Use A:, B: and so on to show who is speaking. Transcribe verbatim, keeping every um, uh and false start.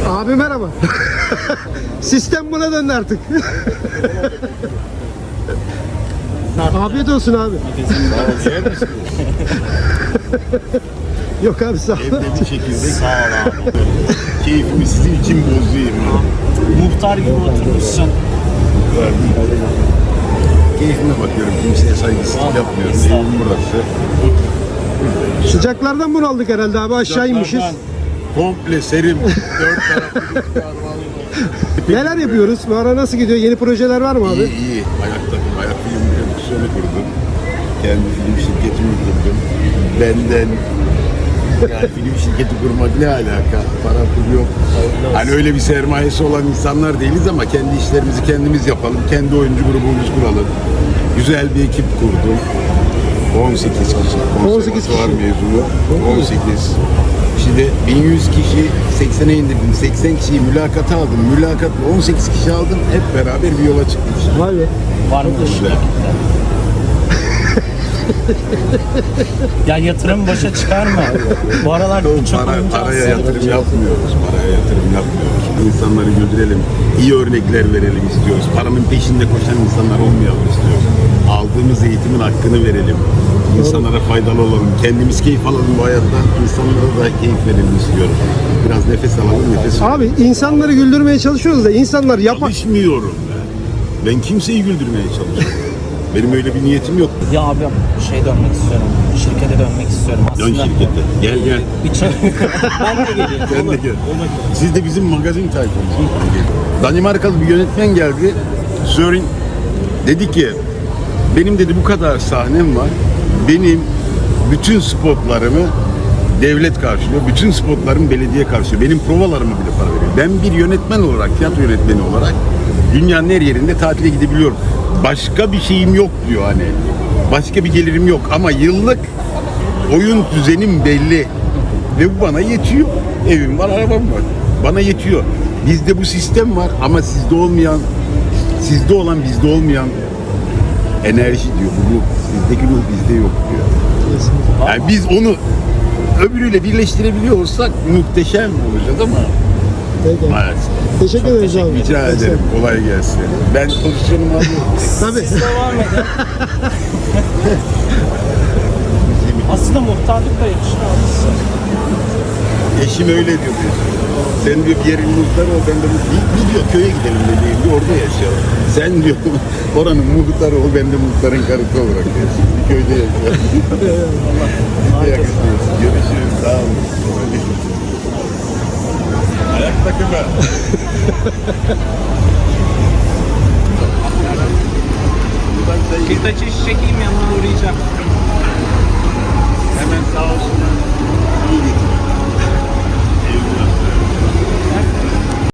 A: Abi merhaba. Sistem buna döndü artık. Afiyet olsun abi.
B: Yer misin?
A: Yok abi sağ ol.
B: Evde bir çekirdek. Sağ ol abi. Keyfimi sizin için bozayım.
C: Muhtar gibi oturmuşsun.
B: Keyfime bakıyorum. Kimseye saygısızlık yapmıyorum. Evim burası.
A: Sıcaklardan bunu aldık herhalde abi, aşağı inmişiz.
B: Komple serim. Dört taraflı.
A: Neler yapıyoruz? Bu ara nasıl gidiyor? Yeni projeler var mı abi?
B: İyi iyi. Ayaktayım. Ayak film prodüksiyonu kurdum. Kendi film şirketimi kurdum. Benden yani film şirketi kurmak ne alaka? Para pul yok. Hani öyle bir sermayesi olan insanlar değiliz ama kendi işlerimizi kendimiz yapalım. Kendi oyuncu grubumuzu kuralım. Güzel bir ekip kurdum. on sekiz kişi.
A: on sekiz kişi.
B: Konservatuvar mezunu. on sekiz. Şimdi bin yüz kişi seksene indirdim. seksen kişiyi mülakata aldım. Mülakatla on sekiz kişi aldım. Hep beraber bir yola çıktık.
A: Vay be.
C: Var mı dışında? Ya yatırım başa çıkar mı? Bu aralar çok
B: Para,
C: oyuncu
B: paraya
C: aslında.
B: yatırım yapmıyoruz. Paraya yatırım yapmıyoruz. İnsanları güldürelim. İyi örnekler verelim istiyoruz. Paranın peşinde koşan insanlar olmayalım istiyoruz. Aldığımız eğitimin hakkını verelim. İnsanlara faydalı olalım. Kendimiz keyif alalım bu hayattan. İnsanlara da keyif verelim istiyorum. Biraz nefes alalım, nefes alalım.
A: Abi insanları güldürmeye çalışıyoruz da insanlar yapar.
B: Çalışmıyorum ben. Ben kimseyi güldürmeye çalışıyorum. Benim öyle bir niyetim yok.
C: Ya abi şey dönmek istiyorum. Şirkete dönmek istiyorum
B: Dön
C: aslında.
B: şirkete. Gel gel.
C: Bir çay- ben de geleyim.
B: Sen de gel. Siz de bizim magazin tayfamız. Danimarkalı bir yönetmen geldi. Sören dedi ki benim dedi bu kadar sahnem var. Benim bütün spotlarımı devlet karşılıyor. Bütün spotlarımı belediye karşılıyor. Benim provalarımı bile para veriyor. Ben bir yönetmen olarak, tiyatro yönetmeni olarak dünyanın her yerinde tatile gidebiliyorum. Başka bir şeyim yok diyor hani. Başka bir gelirim yok ama yıllık oyun düzenim belli. Ve bu bana yetiyor. Evim var, arabam var. Bana yetiyor. Bizde bu sistem var ama sizde olmayan, sizde olan bizde olmayan enerji diyor. Bu ruh. Sizdeki ruh bizde yok diyor. Yani biz onu öbürüyle birleştirebiliyor olsak muhteşem olacağız ama
A: Peki.
B: maalesef.
A: Teşekkür ederiz abi.
B: Rica ederim. Kolay gelsin. Ben pozisyonumu alıyorum.
A: Tabii.
C: Siz devam edin. Aslında muhtarlık da yakışır abi size.
B: Eşim öyle diyor. Sen diyor bir yerin muhtarı ol, ben de bir, bir diyor köye gidelim dediğim diyor, orada yaşayalım. Sen diyor oranın muhtarı ol, ben de muhtarın karısı olarak yaşayalım. Bir köyde yaşayalım. Yakışıyorsun. Görüşürüz. Sağ olun. Ayak takımı.
C: Bir taç iş çekeyim yanına uğrayacağım.
B: Hemen sağ olsun.